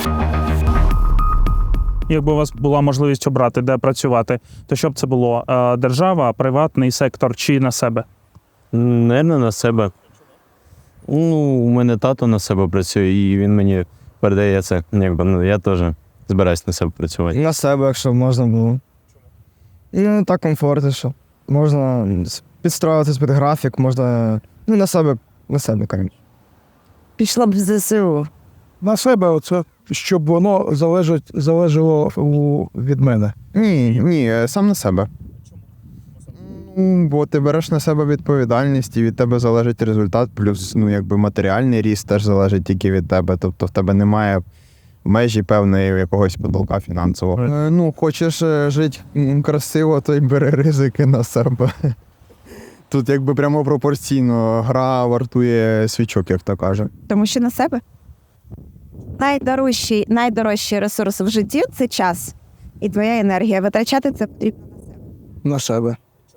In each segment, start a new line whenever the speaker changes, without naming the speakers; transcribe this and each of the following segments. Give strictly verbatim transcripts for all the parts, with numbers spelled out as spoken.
Якби у вас була можливість обрати, де працювати, то що б це було? Е, Держава, приватний сектор чи на себе?
Наверно, на себе. Ну, у мене тато на себе працює, і він мені передає це. Якби, ну, я теж збираюсь на себе працювати.
На себе, якщо можна було. Ну, так комфортніше. Можна підстроюватись під графік, можна. Ну, на себе, на себе, кажуть.
Пішла б в ЗСУ.
На себе, оце, щоб воно залежить, залежало у, від мене.
Ні, ні, сам на себе. Ну, бо ти береш на себе відповідальність і від тебе залежить результат, плюс ну, якби матеріальний ріст теж залежить тільки від тебе. Тобто в тебе немає межі певної якогось потолка фінансового. Е, Ну, хочеш е, жити м, красиво, то й бери ризики на себе. Тут якби прямо пропорційно гра вартує свічок, як то каже.
Тому що на себе. Найдорожчий, найдорожчий ресурс в житті – це час і твоя енергія. Витрачати це потрібно на себе.
На себе.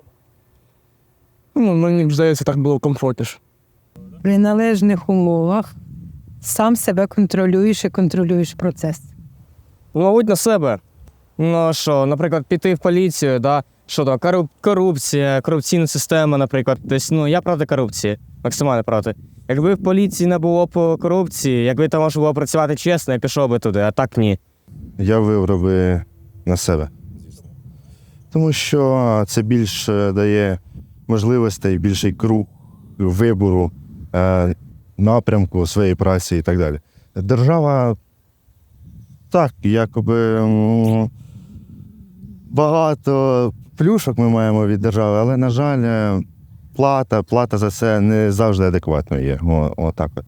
Ну, мені здається, так було комфортніше.
При належних умовах сам себе контролюєш і контролюєш процес.
Мабуть, на себе. Ну, що, наприклад, піти в поліцію, да? Що там, кору- корупція, корупційна система, наприклад. Тобто, ну, я проти корупції, максимально проти. Якби в поліції не було б корупції, якби там можна було працювати чесно, я пішов би туди, а так ні.
Я вибрав би на себе. Тому що це більше дає можливостей, більший круг вибору, е, напрямку своєї праці і так далі. Держава, так, якоби м, багато плюшок ми маємо від держави, але, на жаль, плата, плата за це не завжди адекватно є. О, отак от.